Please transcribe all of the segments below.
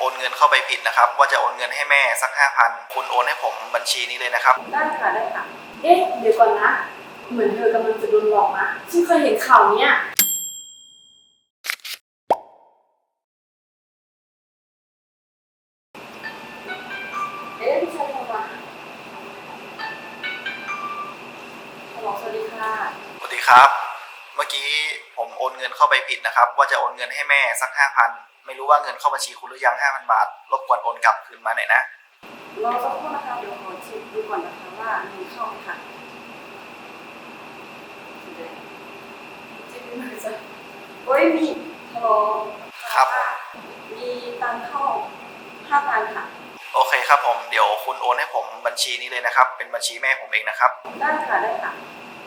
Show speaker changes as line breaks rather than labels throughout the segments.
อนเงินเข้าไปผิดนะครับว่าจะโอนเงินให้แม่สัก5,000คุณโอนให้ผมบัญชีนี้เลยนะครับ
ได้ค่ะได้ค่ะเอ๊ะเดี๋ยวก่อนนะเหมือนเธอกำลังจะโดนหลอกนะฉันเคยเห็นข่าวเนี้ยเอ๊ะพี่ชายโทรมาฮัลโหลสวัสดีค่ะ
สวัสดีครับเมื่อกี้ผมโอนเงินเข้าไปผิดนะครับว่าจะโอนเงินให้แม่สัก5,000ไม่รู้ว่าเงินเข้าบัญชีคุณหรือยัง5,000 บาทรบกวนโอนกลับคืนมาหน่อยนะ
รอสักครู่นะคะเดี๋ยวขอเช็คดูก่อนนะคะว่ามีเข้าไหมค่ะเช็คดูหน่อยจ้ะโอ้ยมีฮัลโหล
ครับผม
มีตังเข้า5,000ค่ะ
โอเคครับผมเดี๋ยวคุณโอนให้ผมบัญชีนี้เลยนะครับเป็นบัญชีแม่ผมเองนะครับ
ได้ค่ะได้ค่ะ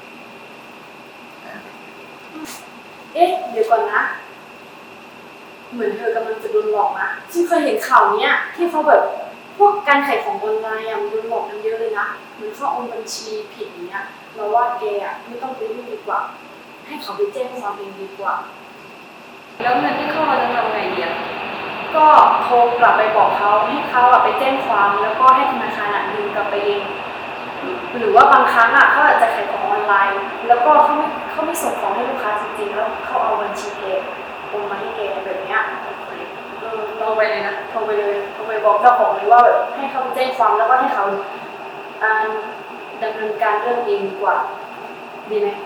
เอ๊ะเดี๋ยวก่อนนะเหมือนเธอกำลังจะโดนหลอกนะฉันเคยเห็นข่าวเนี้ยที่เขาแบบพวกการขายของออนไลน์มันโดนหลอกกันเยอะเลยนะเหมือนเขาโอนบัญชีผิดอย่างเงี้ยเราว่าแกไม่ต้องไปยุ่งดีกว่าให้เขาไปแจ้งความเองดีกว่า
แล้วเงินที่เข้ามาจะทำไงดีอ่ะ
ก็โทรกลับไปบอกเขาให้เขาไปแจ้งความแล้วก็ให้ธนาคารดึงกลับไปเองหรือว่าบางครั้งเขาอาจจะขายของออนไลน์แล้วก็เขาไม่ส่งของให้ลูกค้าจริงๆแล้วเขาเอาบัญชีแกโอนมาให้แกแบบเนี้ย
ลงไปเลยนะ
โทรไปเลยโทรไปบอกเจ้าของเลยว่าแบบให้เขาไปแจ้งความแล้วก็ให้เขาดำเนินการเรื่องเองดีกว่าดีไหม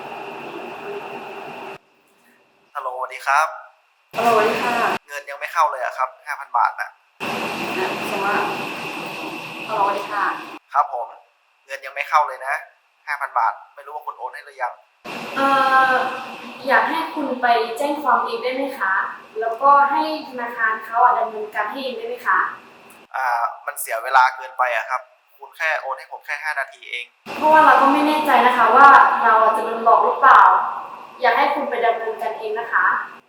ฮัลโหลสวัสดีครับ
ฮัลโหลสวัสดีค่ะ
เงินยังไม่เข้าเลยอะครับ5,000 บาทนะ
สวัสดีฮัลโหลสวัสดีค่ะ
ครับผมเงินยังไม่เข้าเลยนะ5,000 บาทไม่รู้ว่าคุณโอนให้หรือยัง
เอ่ออยากให้คุณไปแจ้งความเองได้ไหมคะแล้วก็ให้ธนาคารเขาดำเนินการให้เองได้ไหมคะ
มันเสียเวลาเกินไปอะครับคุณแค่โอนให้ผมแค่5 นาทีเอง
เพราะว่าเราก็ไม่แน่ใจนะคะว่าเราจะโดนหลอกหรือเปล่าอยากให้คุณไปดำเนินการเองนะคะ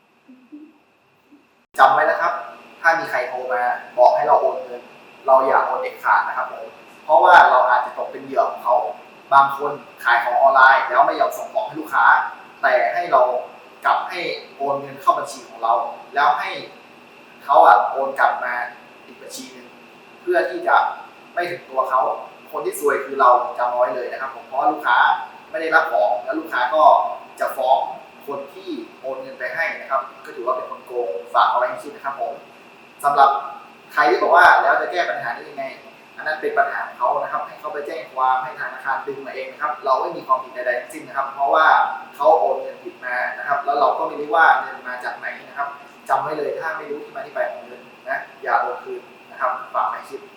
จำไว้นะครับถ้ามีใครโทรมาบอกให้เราโอนเงินเราอย่าโอนเด็ดขาดนะครับผมเพราะว่าเราอาจจะตกเป็นเหยื่อของเขาบางคนขายของออนไลน์แล้วไม่ยอมส่งของให้ลูกค้าแต่ให้เรากลับให้โอนเงินเข้าบัญชีของเราแล้วให้เขาโอนกลับมาอีกบัญชีนึงเพื่อที่จะไม่ถึงตัวเขาคนที่ซวยคือเราจำไว้เลยนะครับผมเพราะว่าลูกค้าไม่ได้รับของแล้วลูกค้าก็จะฟ้องคนที่โอนเงินไปให้นะครับก็ถือว่าเป็นคนโกงฝากเอาไว้ให้คิดนะครับผมสำหรับใครที่บอกว่าแล้วจะแก้ปัญหานี้ยังไงอันนั้นเป็นปัญหาของเขานะครับให้เขาไปแจ้งความให้ธนาคารดึงมาเองนะครับเราไม่มีความผิดใดๆทั้งสิ้นนะครับเพราะว่าเขาโอนเงินผิดมานะครับแล้วเราก็ไม่รู้ว่าเงินมาจากไหนนะครับจำไว้เลยถ้าไม่รู้ที่มาที่ไปของเงินนะอย่าโอนคืนนะครับฝากไว้คิด